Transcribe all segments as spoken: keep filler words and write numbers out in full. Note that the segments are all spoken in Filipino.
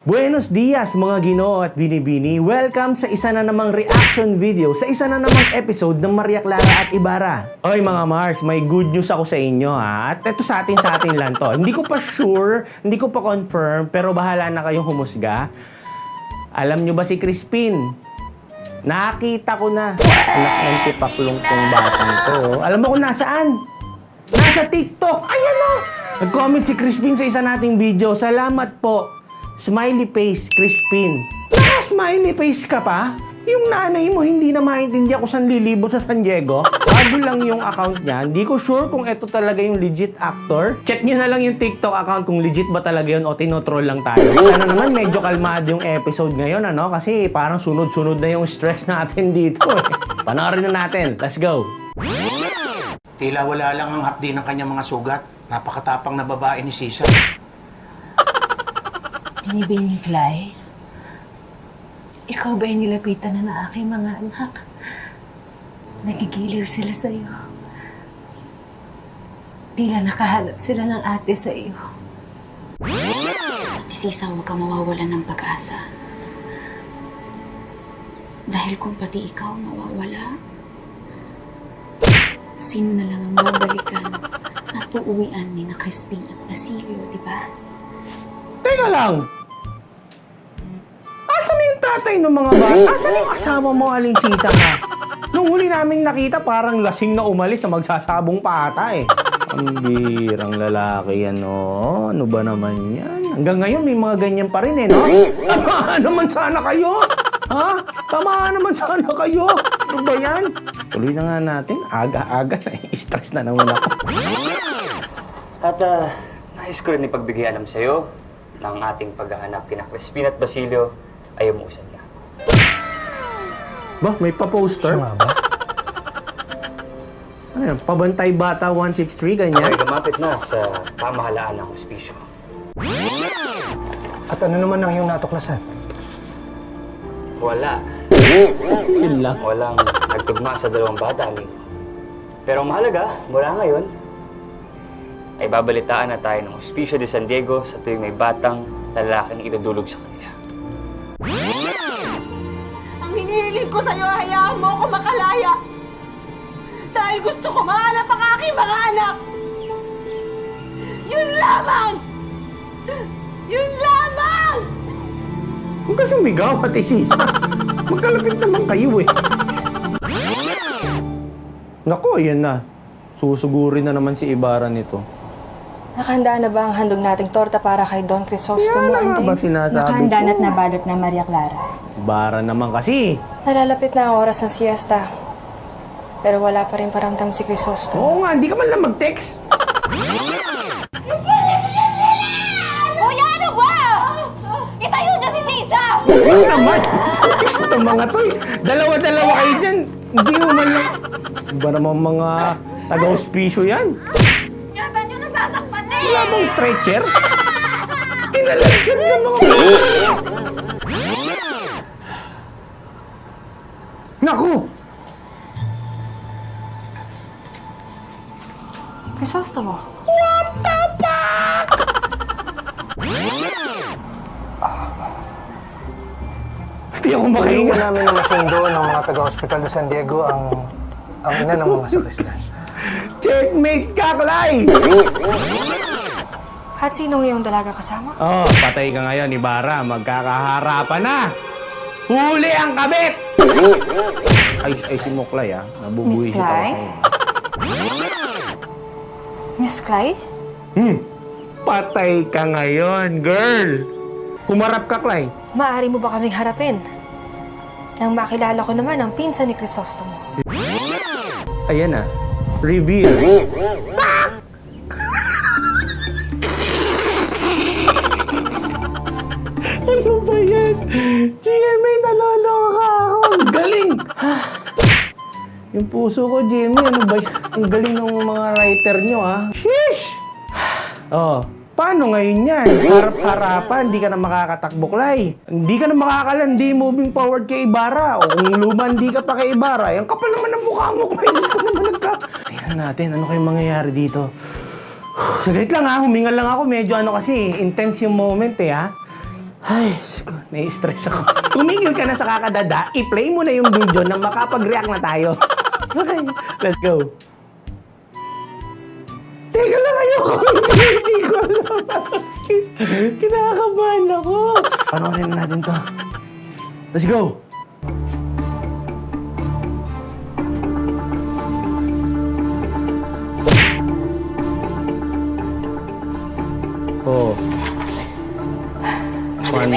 Buenos dias mga Ginoo at Binibini. Welcome sa isa na namang reaction video, sa isa na namang episode ng Maria Clara at Ibarra. Oy mga Mars, may good news ako sa inyo ha. At ito sa atin sa atin lang to. Hindi ko pa sure, hindi ko pa confirm, pero bahala na kayong humusga. Alam nyo ba si Crispin? Nakita ko na. Anak ng tipaklong kong batang to. Alam mo kung nasaan? Nasa TikTok. Ayan o. Nag-comment si Crispin sa isa nating video. Salamat po. Smiley face, Crispin. Naka-smiley face ka pa? Yung nanay mo hindi na maintindihan kung saan lilibot sa San Diego? Bago lang yung account niya. Hindi ko sure kung ito talaga yung legit actor. Check nyo na lang yung TikTok account kung legit ba talaga yun o tinotroll lang tayo. Sana naman medyo kalmado yung episode ngayon, ano? Kasi parang sunod-sunod na yung stress natin dito eh. Panoorin na natin. Let's go! Tila wala lang ang hapdi ng kanyang mga sugat. Napakatapang na babae ni Sisa. Binibini, Clay? Ikaw ba yung nilapitan na ng aking mga anak? Nagigiliw sila sa iyo. Tila nakahanap sila ng ate sa iyo. Ate Sisa, huwag kang mawawalan ng pag-asa. Dahil kung pati ikaw mawawala, sino na lang ang babalikan at uuwian ni na Crispin at Basilio, di ba? Teka lang! Asan yung tatay ng mga bata? Asan yung asawa mo, Aling Sisa ka? Nung huli naming nakita, parang lasing na umalis na magsasabong pa ata eh. Ang birang lalaki yan, no? Ano ba naman yan? Hanggang ngayon, may mga ganyan pa rin eh, no? Tamaan naman sana kayo! Ha? Tamaan naman sana kayo! Ano ba yan? Tuloy na nga natin. Aga-aga na stress na naman ako. At uh, nais ko rin ipagbigay alam sa'yo ng ating paghahanap kina Crispin at Basilio ay umuusan niya. Ba, may pa-poster? Suma ba? Ano yan? Pabantay Bata one six three, ganyan? Ay gamapit na sa pamahalaan ng hospisyo. At ano naman ang iyong natuklasan? Wala. Yun lang. Walang nagtugma sa dalawang bata, amigo. Pero ang mahalaga, mula ngayon, ay babalitaan na tayo ng Hospisyo de San Diego sa tuwing may batang lalaking idudulog sa kanila. Ang hinihiling ko sa'yo, hayaan mo ako makalaya. Dahil gusto ko mahanap ang aking mga anak. Yun lamang! Yun lamang! Huwag ka sumigaw, Ate Sisa. Magkalapit naman kayo eh. Nako, yan na. Susugurin na naman si Ibarra nito. Nakahanda na ba ang handog nating torta para kay Don Crisostomo, Yan na nga ba sinasabi Nakahanda ko? na't nabalot na Maria Clara. Ibarra naman kasi. Nalalapit na ang oras ng siesta. Pero wala pa rin paramdam si Crisostomo. Oo nga, hindi ka man lang mag-text. Kuya, ano ba? Itayo niyo si Tisa! Oo naman. Itong mga to eh. Dalawa-dalawa kayo dyan. Hindi mo man lang. Iba naman mga taga-hospicio yan. Yata niyo nasasaktan na Wala eh! bang stretcher? Kinalagyan ng mga pulis. Naku! Crisostomo? Hindi ako Hindi makahinga. namin na masundo ng mga taga-hospital de San Diego ang ang ina ng mga sakristan. Checkmate ka, Clay! At sinong iyong dalaga kasama? Oh, patay ka ngayon, Ibarra. Magkakaharapan na! Huli ang kabit! Ay, ay si Moklay ah. Nabubuhisit Miss ako Clay? sa'yo. Miss Clay? Hmm, patay ka ngayon, girl! Humarap ka, Clay. Maaari mo ba kaming harapin? Nang makilala ko naman ang pinsan ni Crisostomo. Ayan ah. Reveal. Ano ba yan? G M A, naloloka ako. Ang galing! Yung puso ko, G M A, ano ba yan? Ang galing ng mga writer nyo, ha? Sheesh! Oh, paano ngayon yan? Harap-harapan, di ka na makakatakbo, Clay. Hindi ka na makakalandi moving forward kay Ibarra. O kung lumandi ka pa kay Ibarra, yung kapal naman ang mukha mo, Clay. Gusto ko naman nagka... Tingnan natin, ano kayong mangyayari dito? Saglit lang ha, humingal lang ako. Medyo ano kasi, intense yung moment eh ha. Ay, siko, nai-stress ako. Tumigil ka na sa kakadada, i-play mo na yung video na makapag-react na tayo. Okay, let's go. Teka lang, ayoko. Hindi ko alam. Kinakabahan ako. Panoorin na natin to. Let's go. Oh. One.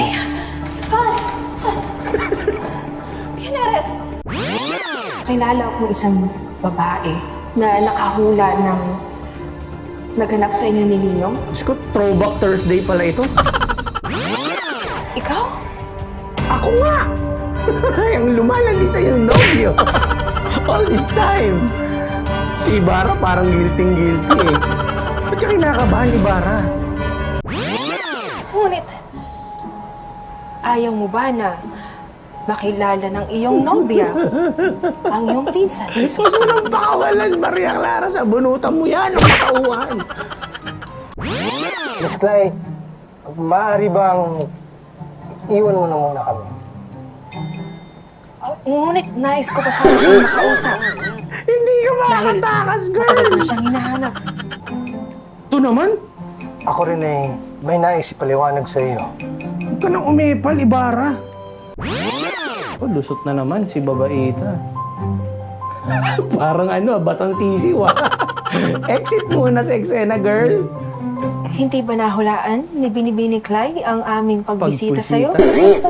Kinares! Kilala ko isang babae na nakahula ng naganap sa inyo ni Ninong. Diyos ko, throwback Thursday pala ito. Ikaw? Ako nga! Ang lumalandi sa yung nobyo. All this time. Si Ibarra parang guilty-guilty eh. Ba't ka kinakabahan, Ibarra? Ngunit, ayaw mo ba na makilala ng iyong nobya ang iyong pinsan? Huwag mo nang pakawalan, Maria Clara. Sa bunutan mo yan, ang katauhan. Miss Clay, maaari bang iwan mo na muna kami? Ngunit, nais ko pa sana siyang makausap. Hindi ka makakatakas, Matagal ko girl. na siyang hinahanap. Ito naman, Ako rin eh, may nais ipaliwanag sa iyo. huwag ka nang umepal, Ibarra. Oh, lusot na naman si babaita. Parang ano, basang sisiw ah. Exit muna sa eksena, girl. Hindi ba nahulaan ni Binibini Clay ang aming pagbisita sa'yo? Pagbisita?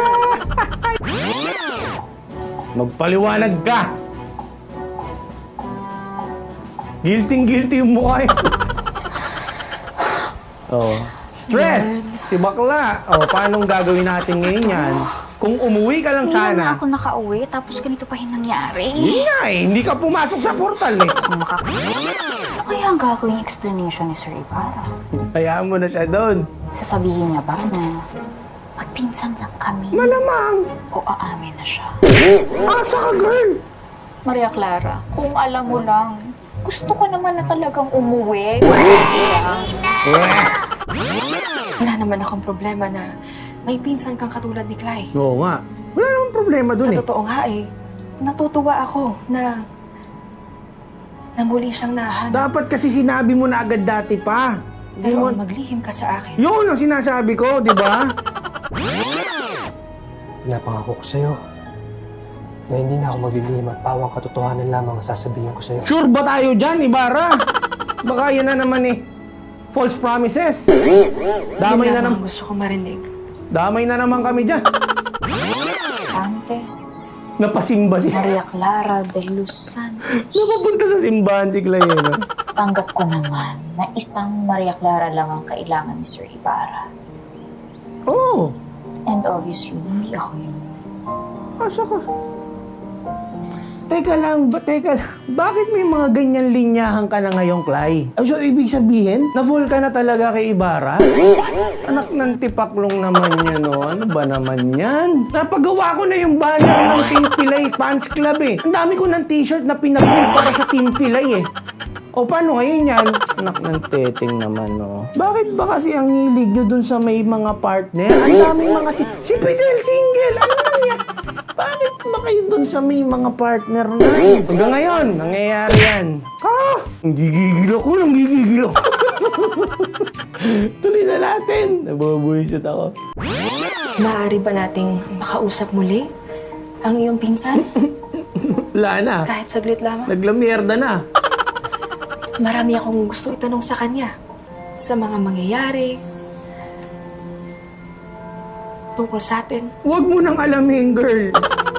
Magpaliwanag ka! Guilty-guilty yung mukha yun. Oh. Stress! Si bakla. Oh, paanong gagawin natin ngayon yan? Kung umuwi ka lang Hindi na sana. ako nakauwi, tapos ganito pa yung nangyari. Hindi nga eh. Hindi ka pumasok sa portal eh. Ano kaya ang gagawin yung explanation ni Sir Ibarra? Hayaan mo na siya doon. Sasabihin niya ba na magpinsan lang kami Malamang. o aamin na siya? Asa ka, girl? Maria Clara, kung alam mo lang, gusto ko naman na talagang umuwi. Wala naman akong problema na may pinsan kang katulad ni Clay. Oo nga. Wala namang problema doon Sa eh. totoo nga eh, natutuwa ako na na muli siyang nahanap. Dapat kasi sinabi mo na agad dati pa. Hindi Pero mo... maglihim ka sa akin. Yun ang sinasabi ko, di ba? Napangako ko sa iyo na hindi na ako maglilihim at pawang katotohanan lamang ang sasabihin ko sa iyo. Sure ba tayo dyan, Ibarra? Baka yan na naman eh. False promises. Damay Yun na lamang naman. gusto ko marinig. Damay na naman kami dyan. Antes, Napasimba si... Maria Clara de Los Santos. Napapunta sa simbahan si Clayena. Tanggap ko naman na isang Maria Clara lang ang kailangan ni Sir Ibarra. Oo. And obviously, hindi ako yun. Asa ka? Teka lang, ba, teka lang. Bakit may mga ganyan linyahan ka na ngayong, Clay? Ah, so, ibig sabihin, na-fall ka na talaga kay Ibarra? Anak ng tipaklong naman yun, no? Ano ba naman yan? Napagawa ko na yung banner ng Team Pilay Fans Club, eh. Ang dami ko ng t-shirt na pinag-print para sa Team Pilay, eh. O, paano ngayon yan? Anak ng teteng naman, no? Bakit ba kasi ang hilig nyo dun sa may mga partner? Ang daming mga si... Si Fidel single! Ano lang yan? Bakit ba kayo dun sa may mga partner na? Hanggang ngayon, nangyayari yan. Ah! Gigigil ako, nanggigigil ako. Tuloy na natin. Nabubuisit ako. Maaari ba nating makausap muli ang iyong pinsan? Wala na. Kahit saglit lamang. Naglamierda na. Marami akong gusto itanong sa kanya sa mga mangyayari tungkol sa atin. Huwag mo nang alamin, girl.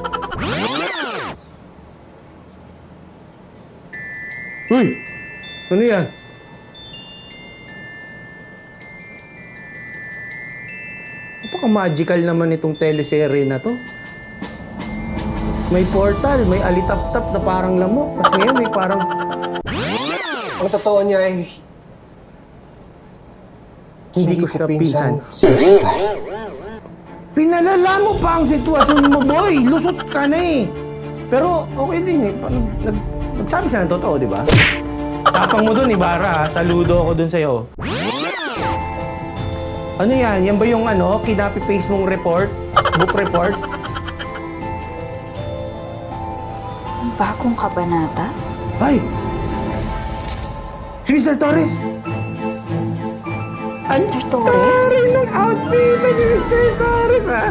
Uy! Ano yan? Napaka-magical naman itong teleserye na to. May portal, may alitap-tap na parang lamok. Tapos ngayon may parang... Ang totoo niya ay Hindi ko siya pinsan. si Miss Clay. Pinalala mo pa ang sitwasyon mo, boy! Lusot ka na eh! Pero okay din eh. Paano, nag, nagsabi siya ng totoo, di ba? Tapang mo dun, Ibarra. Ha? Saludo ako dun sa'yo. Ano yan? Yan ba yung ano, kinapi-paste mong report? Book report? Bagong kabanata? Ay! Si mister Torres! mister Torres? Ang outfit ni mister Torres, ha?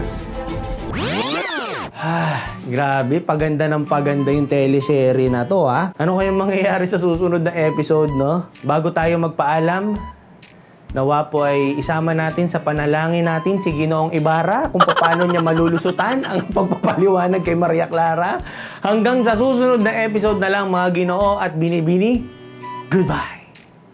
Ah, grabe, paganda ng paganda yung teleserye na to, ha? Ano kayang mangyayari sa susunod na episode, no? Bago tayo magpaalam, nawa po ay isama natin sa panalangin natin si Ginoong Ibarra kung paano niya malulusutan ang pagpapaliwanag kay Maria Clara. Hanggang sa susunod na episode na lang, mga Ginoo at Binibini, goodbye!